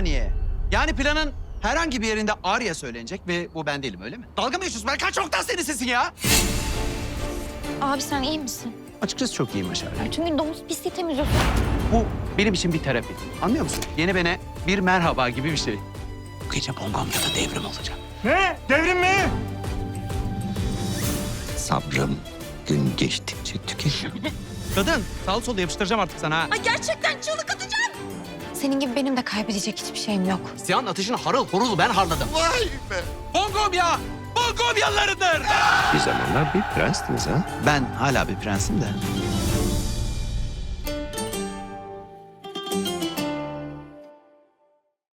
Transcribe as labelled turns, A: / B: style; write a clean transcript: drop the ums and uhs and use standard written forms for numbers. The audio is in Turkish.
A: saniye. Yani planın herhangi bir yerinde Arya söylenecek ve bu ben değilim, öyle mi? Dalga mı geçiyorsun? Ben kaç noktan senin sesin ya?
B: Abi sen iyi misin?
A: Açıkçası çok iyiyim Başar.
B: Bütün gün domuz pisliği temizliyorsun.
A: Bu benim için bir terapi. Anlıyor musun? Yeni bene bir merhaba gibi bir şey. Bu gece Bongamca'da devrim olacak.
C: Ne? Devrim mi?
D: Sabrım gün geçtikçe tükeniyor.
A: Kadın, sağ solda yapıştıracağım artık sana ha.
B: Ay gerçekten çığlık atacağım. Senin gibi benim de kaybedecek hiçbir şeyim yok.
A: Siyan ateşini harıl horul ben harladım.
D: Vay be!
A: Bongomya! Bongomyalılarıdır!
D: Bir zamanlar bir prenstiniz ha?
A: Ben hala bir prensim de.